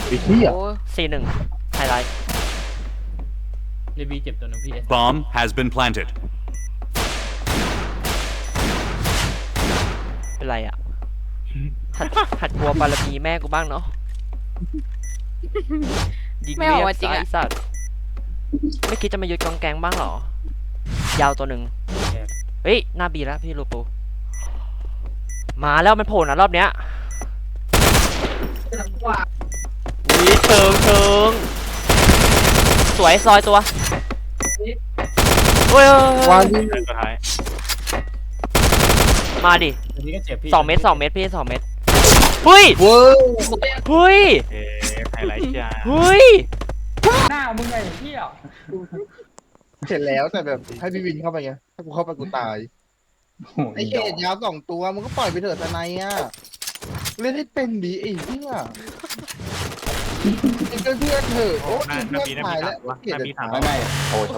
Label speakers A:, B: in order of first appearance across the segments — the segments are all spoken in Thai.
A: ไอ้เหี้ย
B: โอ้4-1ไฮไลท์
C: ในบีเจ็บตัวนึงพี่
D: Bomb has been planted.
B: เป็นไรอ่ะหัดกลัวบารมีแม่กูบ้างเนาะยิง
E: ไม่ออกมาจริง
B: ไอ้
E: อะ
B: สัตว์ไม่คิดจะมายึดกองแกงบ้างเหรอ ยาวตัวหนึ่งเฮ้ยหน้าบีแล้วพี่ลูปูมาแล้วมันโผล่นะรอบเนี้ยวิเชิงสวยซอยตัวเฮ้ยว
A: างยิง
F: สุดท้าย
B: มาดิ
C: อันนี้ก็เจ็บพี่
B: 2 เมตรพี่2 เมตรเฮ้ย
A: เว้ย
B: เฮ้ย
F: ไฮไลท์จ้า
B: เฮ้ย
C: หน้ามึงไงพี่อ่ะ
A: เห็นแล้วแต่แบบให้พี่วินเข้าไปไงถ้ากูเข้าไปกูตายไอ้เขตยาว2 ตัวมึงก็ปล่อยไปเถอะทนายอ่ะเล่นให้เป็นดีไอ้เหี้ยเป็นเพื่อนเถอะโอ้ย
F: หน้า
A: เพื่อน
F: บี
A: ถ่าย
F: ถา
A: แล้ว
F: มว่า
A: เกลียด
F: หน้าบีถาม
G: ไม่โอ้โห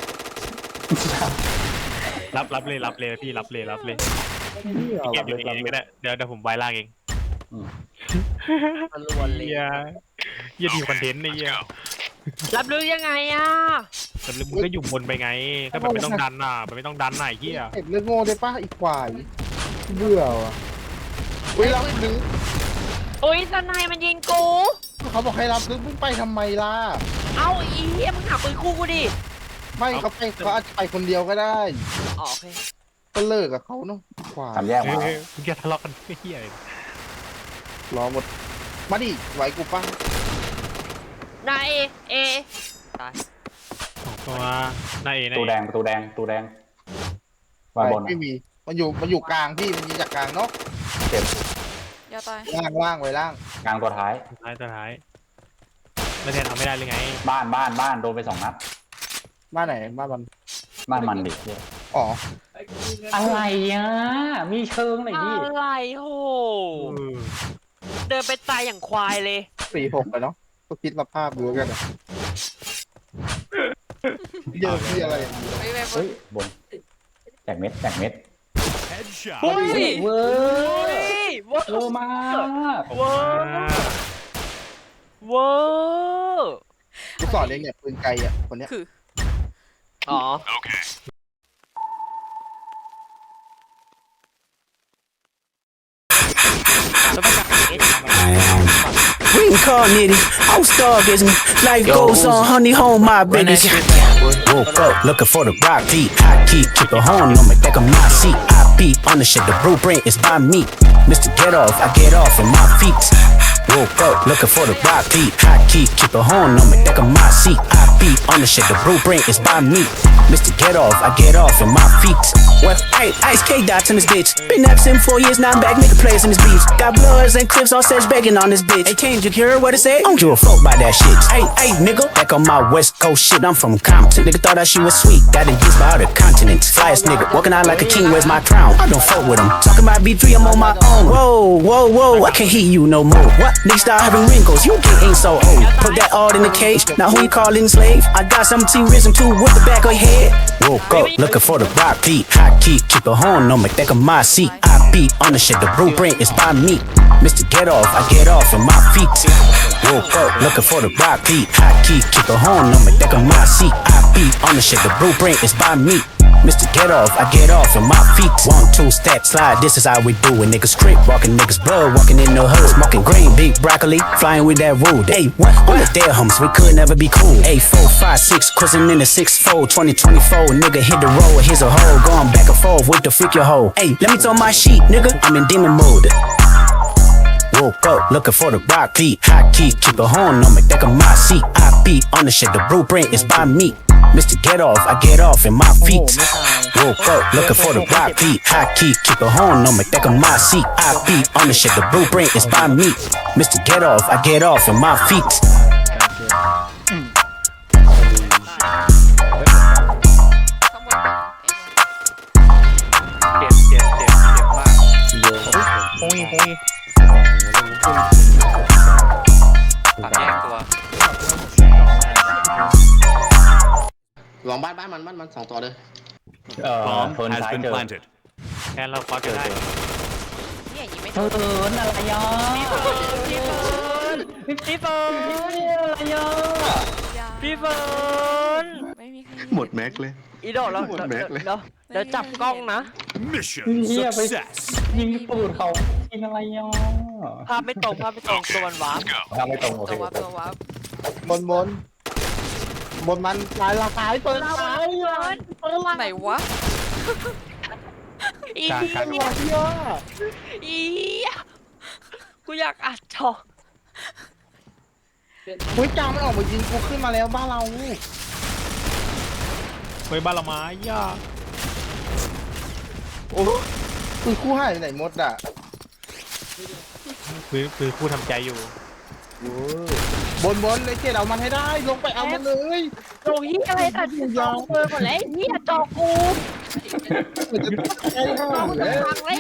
F: รับเลยพี่รับเลยเก็บอยู่เองก็ได้เดี๋ยวผมไว้ล่างเอง
B: มันรวนเลย
F: เยี่ยดีคอนเทนต์ไอ้เยี่ย
B: รับรู้ยังไงอ่ะ
F: แต่มึงก็อยู่บนไปไงก็แบบไม่ต้องดันน่ะไม่ต้องดันน่ะไอ้เหี้ย
A: เก็บเรื่องโง่ได้ป่ะอีกควายเบื่อว่ะเฮ้ยรับลึก
B: โอ้ยสนายมันยิงกู
A: เขาบอกให้รับลึกมึงไปทำไมล่ะ
B: เอาอีเหี้ยมึงหาปืนคู่กูดิ
A: ไม่เขาอาจจะไปคนเดียวก็ได้
B: อ๋อโอเค
A: ก็เลิกกับเขาเนาะควาย
G: ทำแยกมา
F: มึงจะทะเลาะกันไม่เหี้ยเลย
A: รอหมดมาดิไหวกูป่ะ
B: นายเอตาย
F: ตัวหน้าเอ
G: ตูแดงประตูแดงวางบน
A: ไม่มีมันอยู่กลางพี่มันยิงจากกลางเนาะ
G: เจ็บ
E: ยาตาย
A: ล่างไว้ล่าง
G: กลางตัวท้าย
F: ตัวท้ายแล้วแทนเอาไม่ได้เลยไง
G: บ้านโดนไป2 นัด
A: บ้านไหนบ้านมัน
G: บ้านมันดิ
A: อ๋อ
G: อะไรอ่ะมีเชิงหน่อยดิ
B: อะไรโหเดินไปตายอย่างควายเลย
A: 4-6ไปเนาะก็คิดมาภาพดูแล้วกันอะเยอะที่อะไรอย่างนี้
E: ไม่
G: เฮ้ยบนแจกเม็ด
D: Headshot.
B: เฮ้ย
G: เวอ
B: เฮ้ยเวอร์
G: เวอร์มาก
B: เวอร์เวอร์
A: กูสอนเองเนี่ยปืนไกลอ่ะคนเนี้ย
E: คือ
B: อ๋อ
D: Okay.
H: We can call nitty. I'm stargazing. Life goes on, honey, home my business. Woke up looking for the rock beat. I keep a horn on me, back of my seat. I beat on the shit, the blueprint is by me. Mr. Get Off, I get off in my feet. Woke up looking for the rock beat. I keep a horn on me, back of my seat. I beat on the shit, the blueprint is by me. Mr. Get Off, I get off in my feet. Well, hey, Ice K dots in this bitch. Been absent 4 years, now I'm back making plays in this beats. Got bloods and clips all sets begging on this bitch. Hey, Kane, you hear what I say? I don't give a fuck by that shit. Hey, nigga, back on my West Coast shit, I'm from Compton. Nigga thought that shit was sweet, got engaged by other continents. Flyest nigga, walking out like a king, where's my crown? I don't fuck with him. Talking about B3, I'm on my own. Whoa, I can't hear you no more. What? Niggas start having wrinkles, you ain't so old. Put that all in the cage, now who you calling slave? I got some T-Wism too with the back of your head. Woke up looking for the rock beat. I keep a horn on me, back of my seat. I beat on the shit, the blueprint is by me. Mr. Get Off, I get off in my feet. Woke up looking for the rock beat. I keep a horn on me, back of my seat. I beat on the shit, the blueprint is by me. Mr. Get Off, I get off in my feet. 1, 2 step slide, this is how we do it. Niggas crip, walking niggas blood, walking in the hood. Smoking green, big broccoli, flying with that wood. Hey, what? On the dead humps, we could never be cool. 8, 4, 5, 6, cruising in the 6-4, 2024. Nigga hit the road, here's a hole, going back and forth with the freak your hoe. Hey, let me tell my sheet, nigga, I'm in demon mode. Woke up looking for the rock beat. I keep a horn on me, back of my seat. I beat on the shit, the blueprint is by me. Mr. Get Off, I get off in my feet. Woke up looking for the rock beat. I keep a horn on me, back of my seat. I beat on the shit, the blueprint is by me. Mr. Get Off, I get off in my feet.
E: ข้างบน
F: เจ็บมากโอ้ย
B: ปากแยกตัว
A: ลองบ้านมัน2 ตัวเลย
D: Bomb
G: เทิร์น
D: has
G: ซ้าย
D: been
G: เจอ
D: planted.
F: แทนเราคอจะได้
E: เนี่ยยิงไม่
G: เทิร์นอะไรอ่ะ
B: พี่เบิร์ดพี่เฟิร์น
E: ยา
B: พี่เฟิร์น
E: ไม่มีใคร
I: หมดแม็กเลย
B: อีดอกแล้ว
I: หมดแม็กเลย
B: เดี๋ยวจับกล้องนะ
D: Mission
G: Yeah, but-
D: success.
G: ยิงตูดเขากินอะไรอ่ะ
B: ภาพไม่ตรงตัวมันวาร์ป
G: ทำไม่ตรงโอเค
E: ตัววับบ
A: นมันตายละตายเปิดตาย
E: ไหนวะ
B: อี
F: การ
A: เหี้ย
B: อีกูอยากอัดจอ
A: เฮ้ยกลางมันออกมายิงกูขึ้นมาแล้วบ้านเรา
F: เฮ้ยบ้านละไม้ย่า
A: โอ้คือคู่ให้ไหนหมดอ่ะ
F: คือคู่ทำใจอยู่
A: บนเลยเกดเอามันให้ได้ลงไปเอามันเลย
B: โอ้ยอะไรแต่จอเบอร์หมดแล้วเฮียจอกู
A: มันจะตายห่า
B: กูจะ
A: แล้ว
B: พังเลย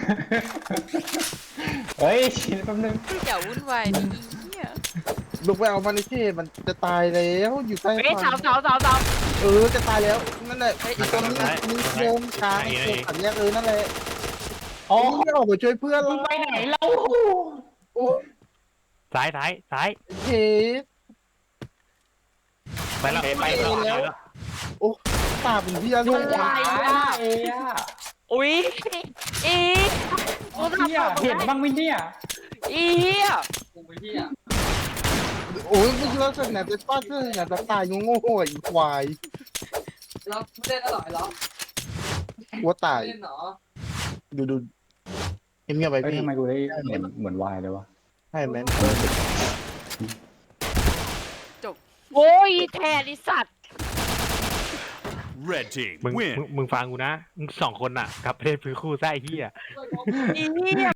G: เฮ้ยชินแป๊บนึง
E: อย่าวุ่นวายดิเนี่ย
A: ลงไปเอามันในเกดมันจะตายแล้วอยู่ใต้
B: เฮ้ยสาว
A: จะตายแล้วนั่นแหละไอ้ตัวนี้มีโยมกลางโยมขันแยกนั่นแหละ
G: อ๋อ
A: ไม่ออกมาช่วยเพื่อน
G: มึง
A: เรา
G: ไปไหนเรา
A: โอ้
F: ซ้าย
A: เคส
F: ไปแล้วไปแล้ว
A: โอ้ตาเป็นพี่อะไร
G: เอ้ย
B: อุ้ยอี
G: เฮียเห็นบ้างไหมเนี่ย
B: อีเฮีย
A: โอ้ยมึงเลิกสักหน่อยจะฟาดเสื้อหน่อยจะตายโง่ๆอีควาย
C: เราเล่นอร่อยเหรอ
A: วัวตาย
C: เล่นเหรอ
A: ดูเงียบๆไป
G: เฮ้ย
A: พี่
G: ทำไมกูได้เหมือนวายเลยวะ
A: ให้แมน
B: โอ้ยแทนไอสัตว์
D: Red team
F: มึง
D: win.
F: มึงฟังกูนะมึง2 คนน่ะกลับประเทศพื้นคู่ไส้เฮีย
B: อีเฮีย